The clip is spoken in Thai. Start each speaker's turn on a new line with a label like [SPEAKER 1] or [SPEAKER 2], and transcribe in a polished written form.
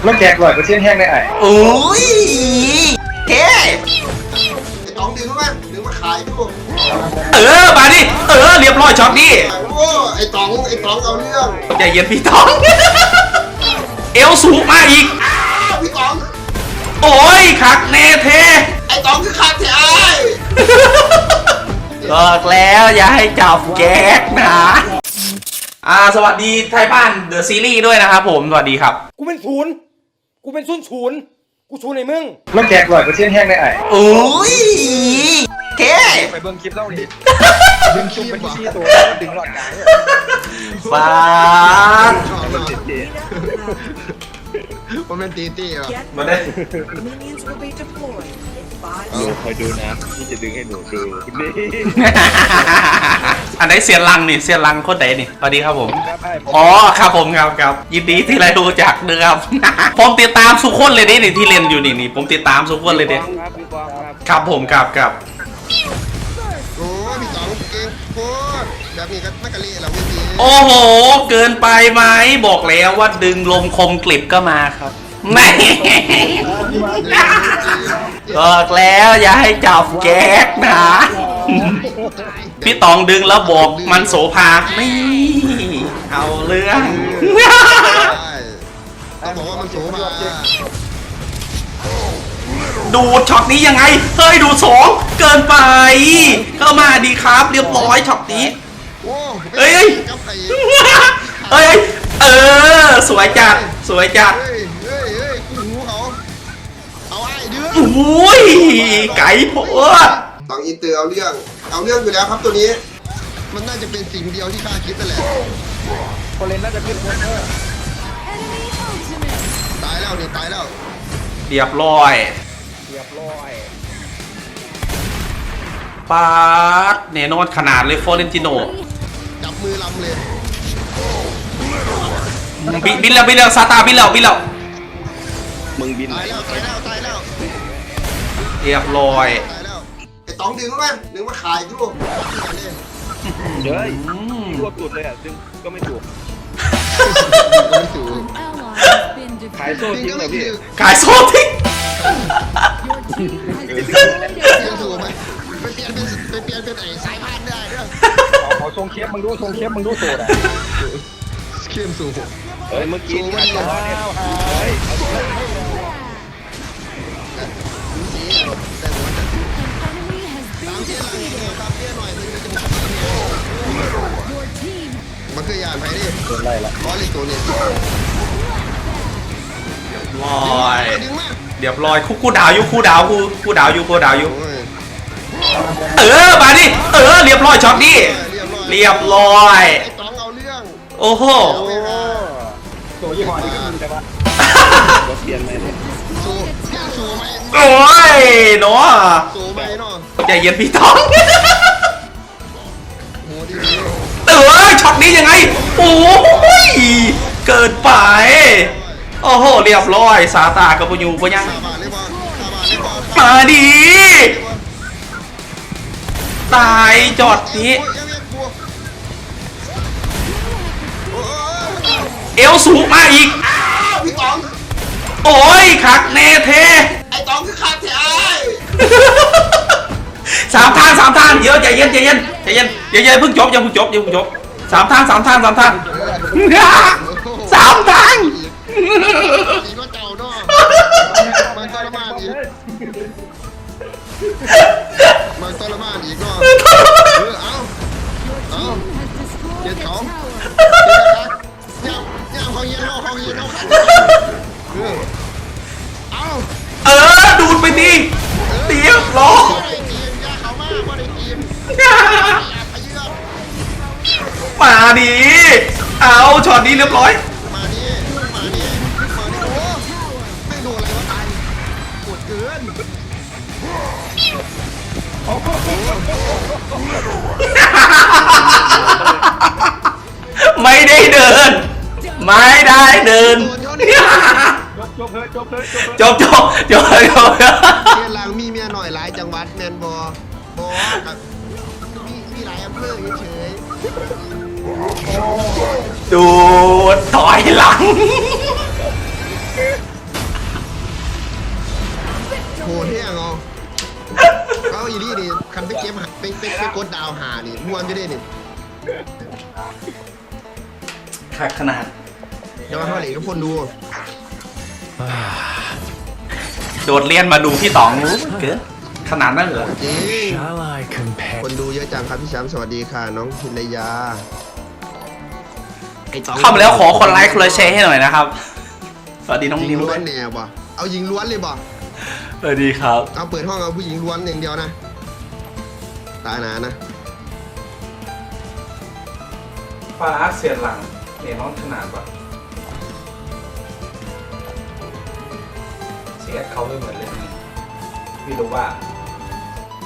[SPEAKER 1] มันแจก100%แห้งได้ไอ้
[SPEAKER 2] โอ้ยเฮ้
[SPEAKER 3] ไอ้ต๋องดึงมาขายดู
[SPEAKER 2] มาดิเรียบร้อยช็อตนี้
[SPEAKER 3] โอ้ไอ้ต๋องเอาเรื่อง
[SPEAKER 2] ใจเย็นพี่ตองเอวสูงมาอีก
[SPEAKER 3] พี่ต๋อง
[SPEAKER 2] โอ้ยคักเนเท
[SPEAKER 3] ไอ้ต๋องคือขาดแท้
[SPEAKER 2] บอกแล้วอย่าให้จับแก๊กนะสวัสดีไทยบ้านเดอะซีรีส์ด้วยนะครับผมสวัสดีครับ
[SPEAKER 1] กูเป็นศูนย์กูศูนย์ในมึงมันแจก100%แห้งได้ไอ้
[SPEAKER 2] โอ้ยเฮ้
[SPEAKER 1] ไปเบิ่งคลิปเล่าดิดึงชุบเป็นที่ตัวดึงหลอดกลาง
[SPEAKER 2] ฟ้า
[SPEAKER 3] มันเป็นตีอ่ะ
[SPEAKER 2] มาได้
[SPEAKER 4] Minions will be deployed in 5
[SPEAKER 5] หนูคอยดูนะพี่จะดึงให้หนูดูนี่
[SPEAKER 2] อันไหนเสียนลังนี่เสียนลังโคตรเดนี่สวัสดีครับผม
[SPEAKER 1] ครับไอ้
[SPEAKER 2] อ๋อครับผมครับยินดีที่ได้รู้จักนะครับ ผมติดตามสุกคนเลยนี่ที่เล่นอยู่นี่ผมติดตามสุกคนเลยเด้
[SPEAKER 5] ครับพี่บอลครับ
[SPEAKER 2] ครับผมครับ
[SPEAKER 3] โอ้พี่ต๋องเก่งโคตรแบบนี้ก็ไม่กะเละหรอกพี่ตี
[SPEAKER 2] โอ้โหเกินไปไหมบอกแล้วว่าดึงลมคมกลิบก็มาครับไม่ บอกแล้วอย่าให้จับแก๊กนะ พี่ตองดึงแล้วบอกมันโสภานี่เอาเรื่อง
[SPEAKER 3] ต้องบอกว่ามันสูงมา
[SPEAKER 2] ดูดช็อตนี้ยังไงเฮ้ยดูสองเกินไปเข้ามาดีครับเรียบร้อยช็อตนี้
[SPEAKER 3] โอ้
[SPEAKER 2] เอ้ย
[SPEAKER 3] กับไอ้
[SPEAKER 2] เอ้ยสวยจัด
[SPEAKER 3] เฮ้ยกูหูเขาเอาไอ้เดือด
[SPEAKER 2] อุ้ยไก่โพด
[SPEAKER 3] ต๋องอินเตอร์เอาเรื่องอยู่แล้วครับตัวนี้ มันน่าจะเป็นสิ่งเดียวที่ข้าคิดนั่นแหละ
[SPEAKER 1] คนเล่นน่าจะขึ้นคน
[SPEAKER 3] ตายแล้วนี่ตายแล้ว
[SPEAKER 2] เรียบร้อย
[SPEAKER 1] เรียบร้อย
[SPEAKER 2] ปาดเนนอนขนาดเลยฟอเรนติโน
[SPEAKER 3] จับมือลำเลย
[SPEAKER 2] บินแล้วซาตาบินแล้ว
[SPEAKER 5] มึงบินไหน
[SPEAKER 3] ตายแล้ว
[SPEAKER 2] เรียบร้อย
[SPEAKER 3] ไอ้ต๋องดึงมาขายดู
[SPEAKER 5] เฮ้ยรวบสุดเลยอ่ะซึ่งก็ไม่ถูก
[SPEAKER 3] ไม่ถูก
[SPEAKER 5] ขายโซ่ทิ้งเลยพี่
[SPEAKER 2] ขายโซทิก
[SPEAKER 3] เปลี่ยนถูกไหมไปเปลี่ยนเป็นไอ้สายพันธุ์ได้ด้วย
[SPEAKER 1] ขอทรงเคียบมึงดูโสดอ่ะ
[SPEAKER 3] เข้มสูง
[SPEAKER 5] เฮ้ยเมื่อกี้ขายโซ่เนี่ยเฮ้ยเอาตัว
[SPEAKER 3] แต่หัวจะตามเที่ยหน่อยมันคือยานไปดิ
[SPEAKER 1] โดนไล่ละ
[SPEAKER 3] บอลอีกตัวนี้
[SPEAKER 2] ร้อย
[SPEAKER 3] ดึงมา
[SPEAKER 2] เรียบร้อยคู่ดาวอยู่คู่ดาวอยู่
[SPEAKER 3] โอ้ย
[SPEAKER 2] มาดิเรียบร้อยช็อตนี้เรียบร้อย
[SPEAKER 3] ไอ้ต๋องเอาเรื่อง
[SPEAKER 2] โอ้โห
[SPEAKER 1] ตัวยี่ห้อนี้ก็มีแต่ว่า
[SPEAKER 5] รถเปลี่ยนไหมเนี่ย
[SPEAKER 3] สูไหม
[SPEAKER 2] โอ้ยเนาะ
[SPEAKER 3] สูไหมเนาะ
[SPEAKER 2] ใจเย็นพี่ตอง
[SPEAKER 3] โหดี
[SPEAKER 2] ช็อตนี้ยังไงโอ้ยเกินไปโอ้โหเรียบร้อยซาตากับปูยูปะยัง
[SPEAKER 3] ซาบานเลยบอล
[SPEAKER 2] มาดีตายจอดนี้เอวสูงมาอีก
[SPEAKER 3] พี่ต๋อง
[SPEAKER 2] โอ้ยคักเนเท
[SPEAKER 3] ไอ้ต๋องคือขาดแท้
[SPEAKER 2] สามทางเดี๋ยวใจเย็นเพิ่งจบสามทาง
[SPEAKER 3] สีก็เจ้าเนาะมันทรมานอีกเนาะเอาเจ็ดของย่างของเย็นเอาขัดเอา
[SPEAKER 2] ดูดไปดิเรียบร้อย
[SPEAKER 3] บ่ได้ทีมย่าเขามากบ่ได้ทีม
[SPEAKER 2] มาดิเอาช็อตนี้เรียบร้อย
[SPEAKER 3] มาดิโอ้ไม่โดนอะไรวะตายปวดเกิน
[SPEAKER 2] ไม่ได้เดิน จบ
[SPEAKER 3] เรียนหลังมีเมียหน่อยหลายจังหวัดแมนบครับมีหลายอำเภอเฉย
[SPEAKER 2] ดูถอยหลัง
[SPEAKER 3] งเอาอีนี่ดิคันไปเก็บไปกดดาวหานี่ม้วนจะได้นี่
[SPEAKER 2] ขาดขนาด
[SPEAKER 3] เดี๋ยวมาเข้าเหล็กทุกคนดู
[SPEAKER 2] โดดเรียนมาดูพี่ต๋องเกิดขนาดนั้นเหรอ
[SPEAKER 3] จริงคนดูเยอะจังครับพี่แชมป์สวัสดีค่ะน้องพินยา
[SPEAKER 2] เข้ามาแล้วขอคนไลค์คนละแชร์ให้หน่อยนะครับสวัสดีน้อง
[SPEAKER 3] ยิ
[SPEAKER 2] นิ
[SPEAKER 3] ง
[SPEAKER 2] ว
[SPEAKER 3] ล้
[SPEAKER 2] ด้
[SPEAKER 3] ว
[SPEAKER 2] วย
[SPEAKER 3] นแน่บ่เอายิงล้วนเลยบ่
[SPEAKER 2] สวัสดีครับ
[SPEAKER 3] เอาเปิดห้องเอาผู้หญิงล้วนอย่างเดียวนะตาหนานะ
[SPEAKER 2] ฟ้าเสียหลังเนี่ยน้องขนาดแบบเสียเขาไม่เหมือนเลยพี่รู้ว่า